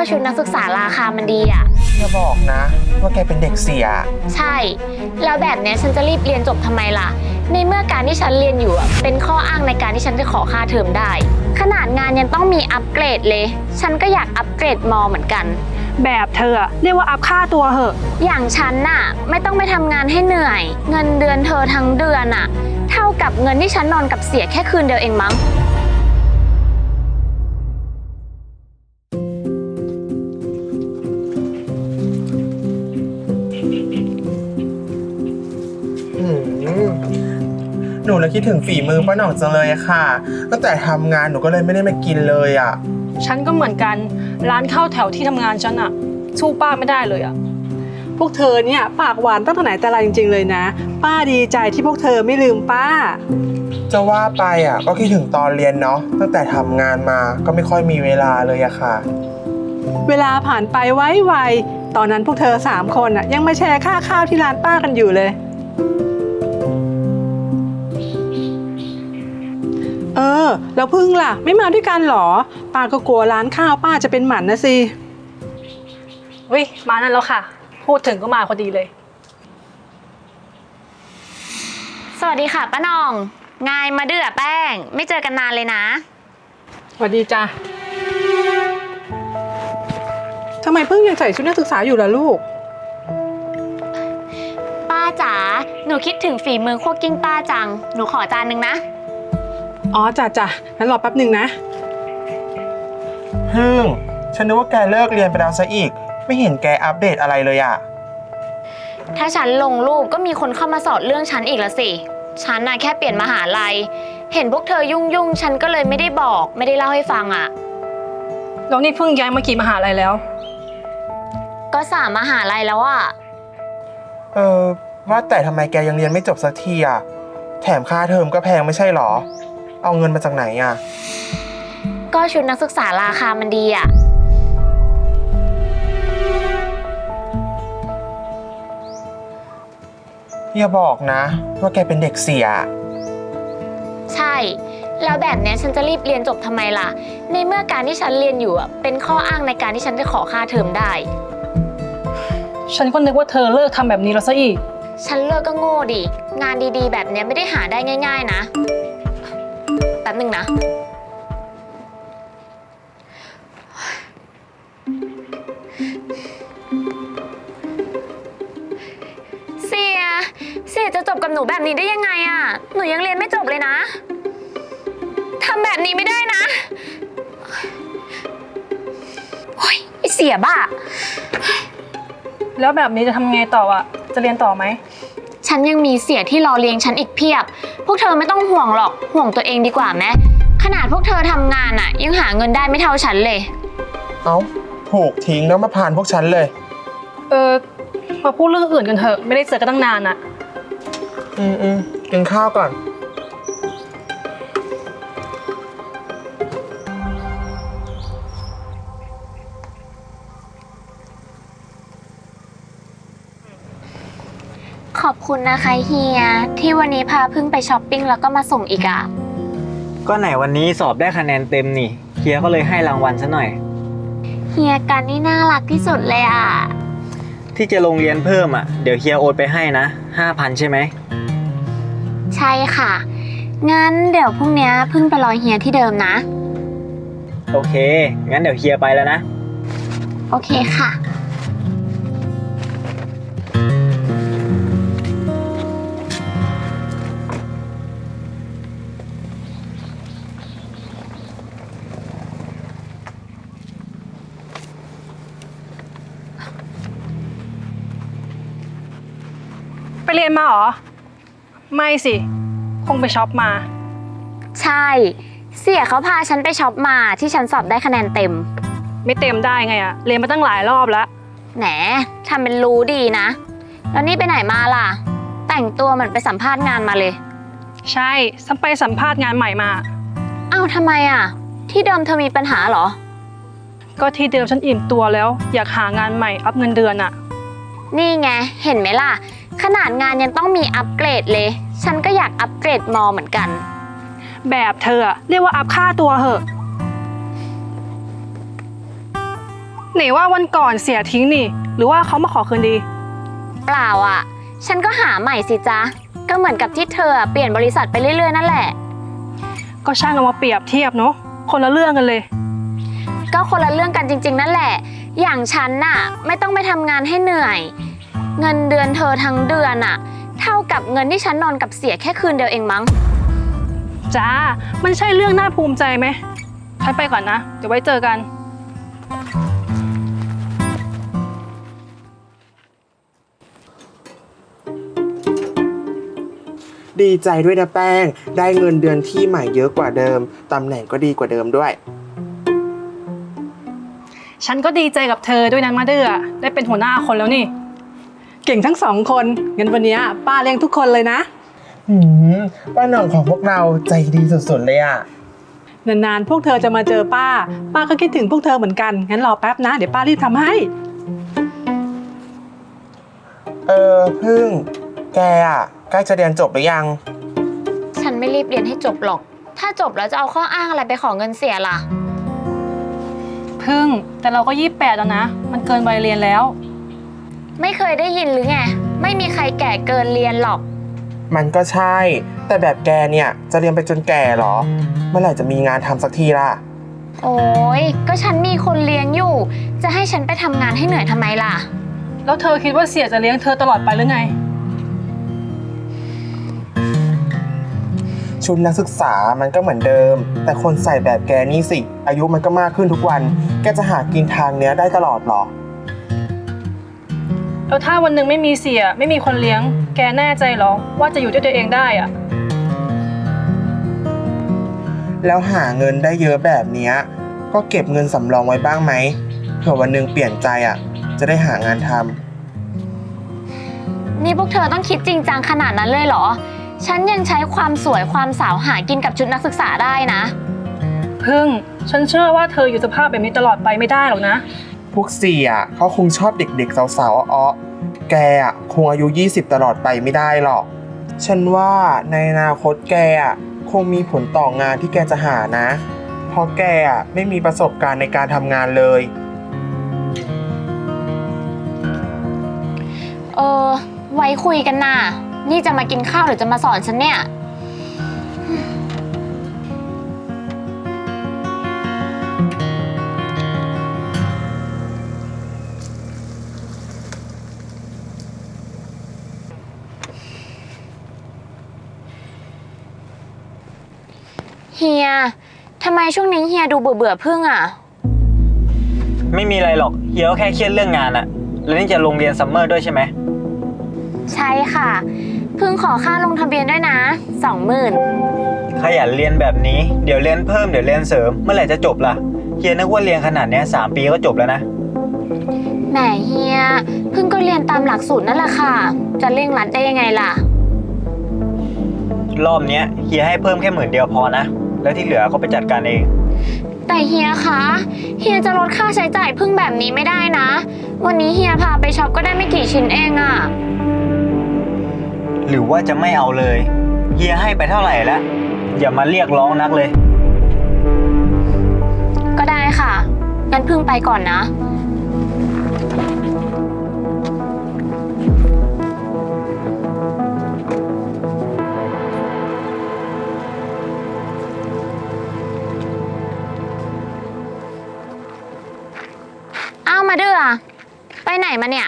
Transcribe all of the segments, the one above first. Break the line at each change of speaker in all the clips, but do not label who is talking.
ชุดนักศึกษาราคามันดีอ่ะ
อย่าบอกนะว่าแกเป็นเด็กเสีย
ใช่แล้วแบบเนี้ยฉันจะรีบเรียนจบทำไมล่ะในเมื่อการที่ฉันเรียนอยู่เป็นข้ออ้างในการที่ฉันจะขอค่าเทอมได้ขนาดงานยังต้องมีอัปเกรดเลยฉันก็อยากอัปเกรดมอเหมือนกัน
แบบเธอเรียกว่าอัพค่าตัวเหอะ
อย่างฉันน่ะไม่ต้องไปทำงานให้เหนื่อยเงินเดือนเธอทั้งเดือนน่ะเท่ากับเงินที่ฉันนอนกับเสียแค่คืนเดียวเองมั้ง
หนูเลยคิดถึงฝีมือป้าหน่องจังเลยอะค่ะตั้งแต่ทำงานหนูก็เลยไม่ได้มากินเลยอะ
ฉันก็เหมือนกันร้านข้าวแถวที่ทำงานฉันอะสู้ป้าไม่ได้เลยอะพวกเธอเนี่ยปากหวานตั้งแต่ไหนแต่ไรจริงๆเลยนะป้าดีใจที่พวกเธอไม่ลืมป้า
จะว่าไปอะก็คิดถึงตอนเรียนเนาะตั้งแต่ทำงานมาก็ไม่ค่อยมีเวลาเลยอะค่ะ
เวลาผ่านไปไวๆตอนนั้นพวกเธอ3 คนอะยังมาแชร์ค่าข้าวที่ร้านป้ากันอยู่เลยแล้วพึ่งล่ะไม่มาด้วยกันหรอป้าก็กลัวร้านข้าวป้าจะเป็นหมันนะสิมานั่นแล้วค่ะพูดถึงก็มาพอดีเลย
สวัสดีค่ะป้าหน่องไงมาเดือแป้งไม่เจอกันนานเลยนะ
สวัสดีจ้ะทำไมพึ่งยังใส่ชุดนักศึกษาอยู่ล่ะลูก
ป้าจ๋าหนูคิดถึงฝีมือคั่วกิ้งป้าจังหนูขอจานนึงนะ
อ๋อจ้ะงั้นรอแป๊บหนึ่งนะ
พึ่งฉันนึกว่าแกเลิกเรียนไปแล้วซะอีกไม่เห็นแกอัปเดตอะไรเลยอะ
ถ้าฉันลงรูปก็มีคนเข้ามาสอดเรื่องฉันอีกแล้วสิฉันน่ะแค่เปลี่ยนมหาลัยเห็นพวกเธอยุ่งฉันก็เลยไม่ได้บอกไม่ได้เล่าให้ฟังอะ
แล้วนี่เพิ่งย้ายมากี่มหาลัยแล้ว
ก็3 มหาลัยแล้วอะ
ว่าแต่ทำไมแกยังเรียนไม่จบสักทีอะแถมค่าเทอมก็แพงไม่ใช่หรอเอาเงินมาจากไหนอะ
ก็ชุดนักศึกษาราคามันดีอะ
อย่าบอกนะว่าแกเป็นเด็กเสีย
ใช่แล้วแบบเนี้ยฉันจะรีบเรียนจบทำไมล่ะในเมื่อการที่ฉันเรียนอยู่เป็นข้ออ้างในการที่ฉันจะขอค่าเทอมได้
ฉันก็นึกว่าเธอเลิกทำแบบนี้แล้วซะอีก
ฉันเลิกก็โง่ดิงานดีๆแบบเนี้ยไม่ได้หาได้ง่ายๆนะแป๊บนึงนะเสียจะจบกับหนูแบบนี้ได้ยังไงอะหนูยังเรียนไม่จบเลยนะทำแบบนี้ไม่ได้นะโอ๊ยไอ้เสียบ้า
แล้วแบบนี้จะทำไงต่ออะจะเรียนต่อไหม
ฉันยังมีเสียที่รอเลี้ยงฉันอีกเพียบพวกเธอไม่ต้องห่วงหรอกห่วงตัวเองดีกว่าไหมขนาดพวกเธอทำงานอะยังหาเงินได้ไม่เท่าฉันเลย
ถูกทิ้งแล้วมาผ่านพวกฉันเลย
มาพูดเรื่องอื่นกันเถอะไม่ได้เจอกันตั้งนานอะ
กินข้าวก่อน
ขอบคุณนะคะเฮียที่วันนี้พาพึ่งไปช้อปปิ้งแล้วก็มาส่งอีกอะ
ก็ไหนวันนี้สอบได้คะแนนเต็มนี่เฮียก็เลยให้รางวัลซะหน่อย
เฮียกันนี่น่ารักที่สุดเลยอะ
ที่จะลงเรียนเพิ่มอะเดี๋ยวเฮียโอนไปให้นะ 5,000 ใช่ไหม
ใช่ค่ะงั้นเดี๋ยวพรุ่งนี้พึ่งไปรอเฮียที่เดิมนะ
โอเคงั้นเดี๋ยวเฮียไปแล้วนะ
โอเคค่ะ
ไปเรียนมาเหรอไม่สิคงไปช็อปมา
ใช่เสียเขาพาฉันไปช็อปมาที่ฉันสอบได้คะแนนเต็ม
ไม่เต็มได้ไงอะเรียนมาตั้งหลายรอบแล้ว
แหนทำเป็นรู้ดีนะแล้วนี่ไปไหนมาล่ะแต่งตัวเหมือนไปสัมภาษณ์งานมาเลย
ใช่ฉันไปสัมภาษณ์งานใหม่มา
อ้าวทำไมอะที่เดิมเธอมีปัญหาเหรอ
ก็ที่เดิมฉันอิ่มตัวแล้วอยากหางานใหม่อัพเงินเดือนอะ
นี่ไงเห็นไหมล่ะขนาดงานยังต้องมีอัปเกรดเลยฉันก็อยากอัปเกรดมอเหมือนกัน
แบบเธอเรียกว่าอัพค่าตัวเหอะไหนว่าวันก่อนเสียทิ้งนี่ หรือว่าเขามาขอคืนดี
เปล่าอ่ะ ฉันก็หาใหม่สิจ๊ะ ก็เหมือนกับที่เธอเปลี่ยนบริษัทไปเรื่อยๆนั่นแหละ
ก็ช่างเอามาเปรียบเทียบเนาะคนละเรื่องกันเลย
ก็คนละเรื่องกันจริงๆนั่นแหละ อย่างฉันน่ะไม่ต้องไปทำงานให้เหนื่อย เงินเดือนเธอทั้งเดือนน่ะ เท่ากับเงินที่ฉันนอนกับเสียแค่คืนเดียวเองมั้ง
จ้ามันใช่เรื่องน่าภูมิใจไหมฉันไปก่อนนะ เดี๋ยวไว้เจอกัน
ดีใจด้วยนะแป้ง ได้เงินเดือนที่ใหม่เยอะกว่าเดิม ตำแหน่งก็ดีกว่าเดิมด้วย
ฉันก็ดีใจกับเธอด้วยนะมาเดือได้เป็นหัวหน้าคนแล้วนี่ เก่งทั้ง2 คนงั้นวันนี้ป้าเลี้ยงทุกคนเลยนะ
ป้าหน่องของพวกเราใจดีสุดๆเลยอ่ะ
นานๆพวกเธอจะมาเจอป้าก็คิดถึงพวกเธอเหมือนกันงั้นรอแป๊บนะเดี๋ยวป้ารีบทำให้
พึ่ง แกอ่ะใกล้จะเรียนจบหรือยัง
ฉันไม่รีบเรียนให้จบหรอก ถ้าจบแล้วจะเอาข้ออ้างอะไรไปขอเงินเสียล่ะ
พึ่งแต่เราก็28แล้วนะ มันเกินวัยเรียนแล้ว
ไม่เคยได้ยินหรือไง ไม่มีใครแก่เกินเรียนหรอก
มันก็ใช่ แต่แบบแกเนี่ยจะเรียนไปจนแก่เหรอ เมื่อไหร่จะมีงานทำสักทีล่ะ
โอ้ยก็ฉันมีคนเลี้ยงอยู่ จะให้ฉันไปทำงานให้เหนื่อยทำไมล่ะ
แล้วเธอคิดว่าเสียจะเลี้ยงเธอตลอดไปหรือไง
ชุดนักศึกษามันก็เหมือนเดิม แต่คนใส่แบบแกนี่สิ อายุมันก็มากขึ้นทุกวัน แกจะหากินทางเนี้ยได้ตลอดเหรอ
แล้วถ้าวันหนึ่งไม่มีเสียไม่มีคนเลี้ยง แกแน่ใจเหรอว่าจะอยู่ด้วยตัวเองได้อะ
แล้วหาเงินได้เยอะแบบเนี้ยก็เก็บเงินสำรองไว้บ้างไหมเผื่อวันหนึ่งเปลี่ยนใจอ่ะ จะได้หางานทำ
นี่พวกเธอต้องคิดจริงจังขนาดนั้นเลยเหรอ ฉันยังใช้ความสวยความสาวหากินกับชุดนักศึกษาได้นะ
พึ่งฉันเชื่อว่าเธออยู่สภาพแบบนี้ตลอดไปไม่ได้หรอกนะ
พวกเสียเขาคงชอบเด็กๆสาวๆอ้อๆแกอ่ะคงอายุ20ตลอดไปไม่ได้หรอก ฉันว่าในอนาคตแกอ่ะคงมีผลต่องานที่แกจะหานะ เพราะแกอ่ะไม่มีประสบการณ์ในการทำงานเลย
ไว้คุยกันน่ะ นี่จะมากินข้าวหรือจะมาสอนฉันเนี่ย เฮีย ทำไมช่วงนี้เฮียดูเบื่อๆพึ่งอ่ะ
ไม่มีอะไรหรอกเฮียก็แค่เครียดเรื่องงานอะแล้วนี่จะลงเรียนซัมเมอร์ด้วยใช่ไหม
ใช่ค่ะ พึ่งขอค่าลงทะเบียนด้วยนะ 20,000
ขยันเรียนแบบนี้เดี๋ยวเรียนเพิ่มเดี๋ยวเรียนเสริมเมื่อไหร่จะจบล่ะเฮียนึกว่าเรียนขนาดเนี้ย3 ปีก็จบแล้วนะ
แหมเฮีย พึ่งก็เรียนตามหลักสูตรนั่นแหละค่ะ จะเร่งรัดได้ยังไงล่ะ
รอบเนี้ยเฮียให้เพิ่มแค่10,000เดียวพอนะแล้วที่เหลือก็ไปจัดการเอง
แต่เฮียคะ เฮียจะลดค่าใช้จ่ายพึ่งแบบนี้ไม่ได้นะ วันนี้เฮียพาไปช็อปก็ได้ไม่กี่ชิ้นเองอะ
หรือว่าจะไม่เอาเลยเฮียให้ไปเท่าไหร่แล้วอย่ามาเรียกร้องนักเลย
ก็ได้ค่ะ งั้นพึ่งไปก่อนนะ เอามาเดือไปไหนมาเนี่ย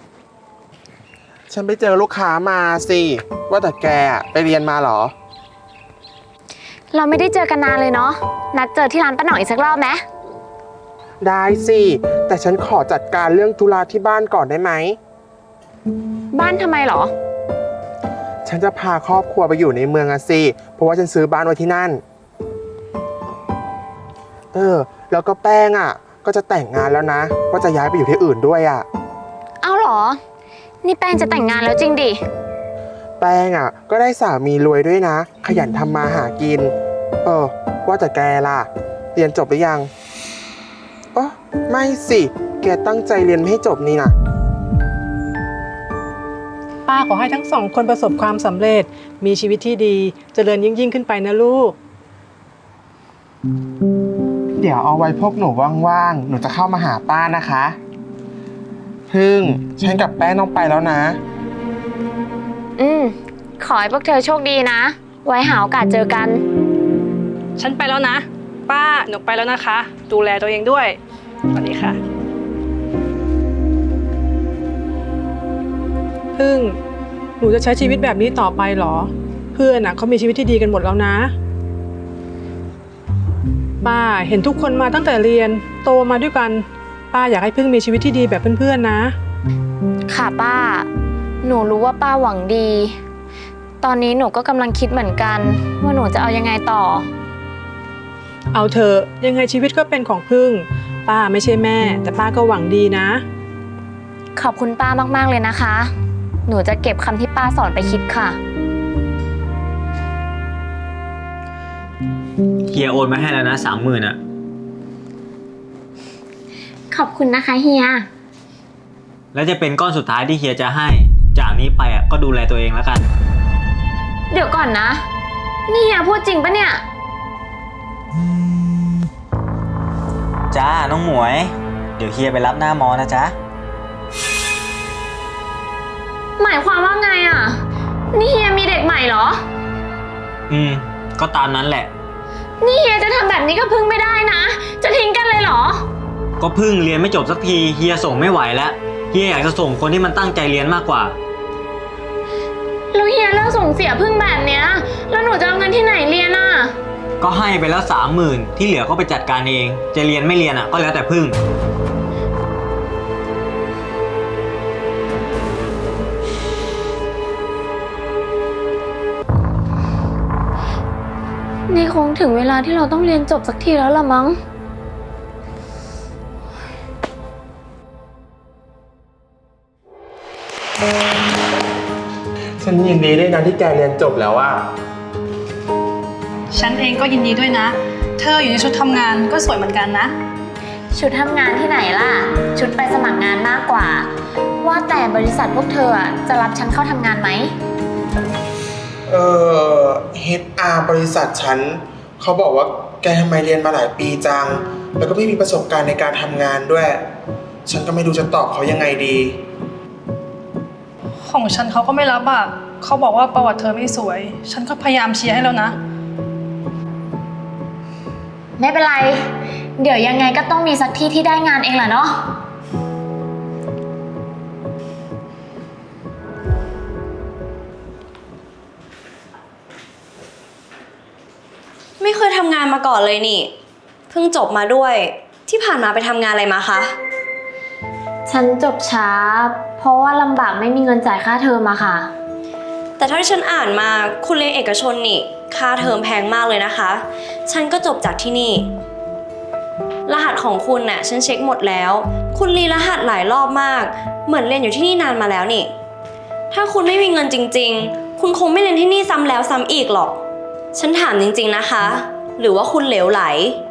ฉันไปเจอลูกค้ามาสิ ว่าแต่แกอะไปเรียนมาเหรอ
เราไม่ได้เจอกันนานเลยเนาะ นัดเจอที่ร้านป้าหน่อยอีกสักรอบไหม
ได้สิ แต่ฉันขอจัดการเรื่องธุระที่บ้านก่อนได้ไหม
บ้านทำไมเหรอ
ฉันจะพาครอบครัวไปอยู่ในเมืองอะสิ เพราะว่าฉันซื้อบ้านไว้ที่นั่น แล้วก็แป้งอะก็จะแต่งงานแล้วนะ ก็จะย้ายไปอยู่ที่อื่นด้วยอะ
เอาเหรอ นี่แป้งจะแต่งงานแล้วจริงดิ
แป้งอะก็ได้สามีรวยด้วยนะ ขยันทำมาหากิน ว่าแต่แกล่ะ เรียนจบหรือยังไม่สิ แกตั้งใจเรียนไม่ให้จบนี่นะ
ป้าขอให้ทั้ง2 คนประสบความสำเร็จมีชีวิตที่ดีเจริญยิ่งขึ้นไปนะลูก
เดี๋ยวเอาไว้พวกหนูว่างๆ หนูจะเข้ามาหาป้านะคะ พึ่งฉันกับแป้งต้องไปแล้วนะ
ขอให้พวกเธอโชคดีนะ ไว้หาโอกาสเจอกัน
ฉันไปแล้วนะ ป้าหนูไปแล้วนะคะ ดูแลตัวเองด้วยสวัสดีค่ะพึ่งหนูจะใช้ชีวิตแบบนี้ต่อไปเหรอ เพื่อนเขามีชีวิตที่ดีกันหมดแล้วนะ ป้าเห็นทุกคนมาตั้งแต่เรียนโตมาด้วยกัน ป้าอยากให้พึ่งมีชีวิตที่ดีแบบเพื่อนๆนะ
ค่ะป้า หนูรู้ว่าป้าหวังดี ตอนนี้หนูก็กำลังคิดเหมือนกัน ว่าหนูจะเอายังไงต่อ
เอาเถอะยังไงชีวิตก็เป็นของพึ่ง ป้าไม่ใช่แม่ แต่ป้าก็หวังดีนะ
ขอบคุณป้ามากๆเลยนะคะ หนูจะเก็บคำที่ป้าสอนไปคิดค่ะ
เฮียโอนมาให้แล้วนะ30,000อ่ะ
ขอบคุณนะคะเฮีย
แล้วจะเป็นก้อนสุดท้ายที่เฮียจะให้ จากนี้ไปอ่ะก็ดูแลตัวเองแล้วกัน
เดี๋ยวก่อนนะ นี่เฮียพูดจริงปะเนี่ย
จ้าน้องหมวย เดี๋ยวเฮียไปรับหน้ามอนะจ๊ะ
หมายความว่าไงอ่ะ นี่เฮียมีเด็กใหม่เหรอ
ก็ตามนั้นแหละ
นี่เฮียจะทำแบบนี้ก็พึ่งไม่ได้นะ จะทิ้งกันเลยเหรอ
ก็เพิ่งเรียนไม่จบสักทีเฮียส่งไม่ไหวแล้วเฮียอยากจะส่งคนที่มันตั้งใจเรียนมากกว่า
แล้วเฮียเลิกส่งเสียพึ่งแบบเนี้ย แล้วหนูจะเอาเงินที่ไหนเรียนอ่ะ
ก็ให้ไปแล้ว30,000ที่เหลือก็ไปจัดการเอง จะเรียนไม่เรียนอ่ะก็แล้วแต่พึ่ง
นี่คงถึงเวลาที่เราต้องเรียนจบสักทีแล้วล่ะมั้ง
ฉันยินดีด้วยนะที่แกเรียนจบแล้วอะ
ฉันเองก็ยินดีด้วยนะ เธออยู่ในชุดทำงานก็สวยเหมือนกันนะ
ชุดทำงานที่ไหนล่ะ ชุดไปสมัครงานมากกว่า ว่าแต่บริษัทพวกเธอจะรับฉันเข้าทำงานไหม
HR บริษัทฉันเขาบอกว่าแกทำไมเรียนมาหลายปีจัง แล้วก็ไม่มีประสบการณ์ในการทำงานด้วย ฉันก็ไม่รู้จะตอบเขายังไงดี
ของฉันเขาก็ไม่รับอ่ะเขาบอกว่าประวัติเธอไม่สวย ฉันก็พยายามเชียร์ให้แล้วนะ
ไม่เป็นไร เดี๋ยวยังไงก็ต้องมีสักที่ที่ได้งานเองแหละเนาะ
ไม่เคยทำงานมาก่อนเลยนี่ เพิ่งจบมาด้วย ที่ผ่านมาไปทำงานอะไรมาคะ
ฉันจบช้า เพราะว่าลำบากไม่มีเงินจ่ายค่าเทอมอะค่ะ
แต่เท่าที่ฉันอ่านมาคุณเรียนเอกชนนี่ ค่าเทอมแพงมากเลยนะคะ ฉันก็จบจากที่นี่ รหัสของคุณน่ะฉันเช็คหมดแล้ว คุณรีรหัสหลายรอบมาก เหมือนเรียนอยู่ที่นี่นานมาแล้วนี่ ถ้าคุณไม่มีเงินจริงๆ คุณคงไม่เรียนที่นี่ซ้ำแล้วซ้ำอีกหรอก ฉันถามจริงๆนะคะ หรือว่าคุณเหลวไหล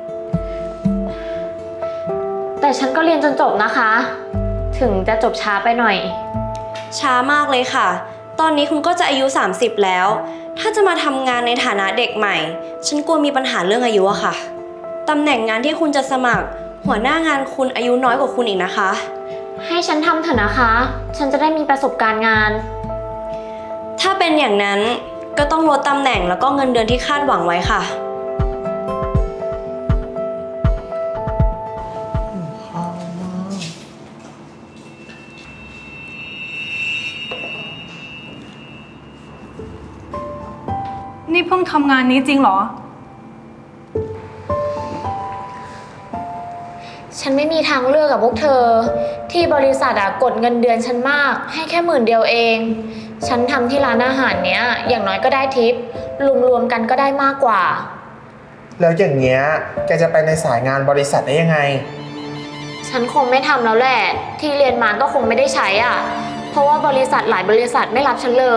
แต่ฉันก็เรียนจนจบนะคะ ถึงจะจบช้าไปหน่อย
ช้ามากเลยค่ะ ตอนนี้คุณก็จะอายุ30แล้ว ถ้าจะมาทำงานในฐานะเด็กใหม่ ฉันกลัวมีปัญหาเรื่องอายุอะค่ะ ตำแหน่งงานที่คุณจะสมัคร หัวหน้างานคุณอายุน้อยกว่าคุณอีกนะคะ
ให้ฉันทำเถอะนะคะ ฉันจะได้มีประสบการณ์งาน
ถ้าเป็นอย่างนั้นก็ต้องลดตำแหน่งแล้วก็เงินเดือนที่คาดหวังไว้ค่ะ
นี่เพิ่งทำงานนี้จริงเหรอ
ฉันไม่มีทางเลือกกับพวกเธอ ที่บริษัทกดเงินเดือนฉันมาก ให้แค่10,000เอง ฉันทำที่ร้านอาหารเนี้ย อย่างน้อยก็ได้ทิป รวมๆกันก็ได้มากกว่า
แล้วอย่างเงี้ยแกจะไปในสายงานบริษัทได้ยังไง
ฉันคงไม่ทำแล้วแหละ ที่เรียนมาก็คงไม่ได้ใช้เพราะว่าบริษัทหลายบริษัทไม่รับฉันเลย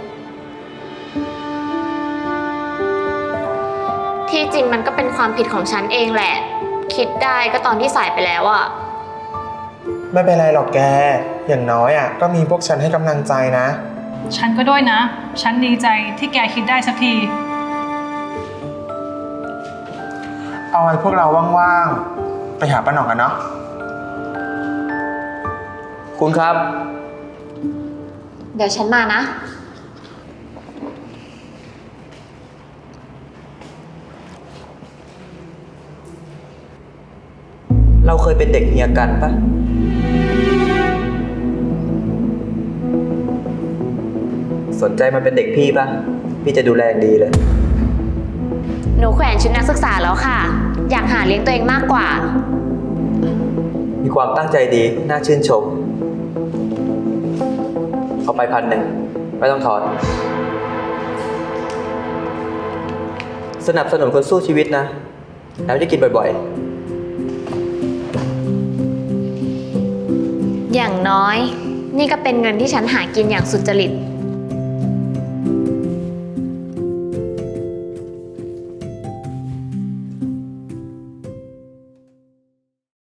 ที่จริงมันก็เป็นความผิดของฉันเองแหละ คิดได้ก็ตอนที่สายไปแล้ว
ไม่เป็นไรหรอกแก อย่างน้อยก็มีพวกฉันให้กำลังใจนะ
ฉันก็ด้วยนะ ฉันดีใจที่แกคิดได้สักที
เอาไว้พวกเราว่างๆ ไปหาป้าหน่องกันเนาะ
คุณครับ
เดี๋ยวฉันมานะ
เราเคยเป็นเด็กเฮียกันปะสนใจมาเป็นเด็กพี่ปะพี่จะดูแลอย่างดีเลย
หนูแขวนชุดนักศึกษาแล้วค่ะ อยากหาเลี้ยงตัวเองมากกว่า
มีความตั้งใจดี น่าชื่นชม เอาไป1,000ไม่ต้องทอน สนับสนุนคนสู้ชีวิตนะ แล้วจะกินบ่อยๆ
อย่างน้อย นี่ก็เป็นเงินที่ฉันหากินอย่างสุจริต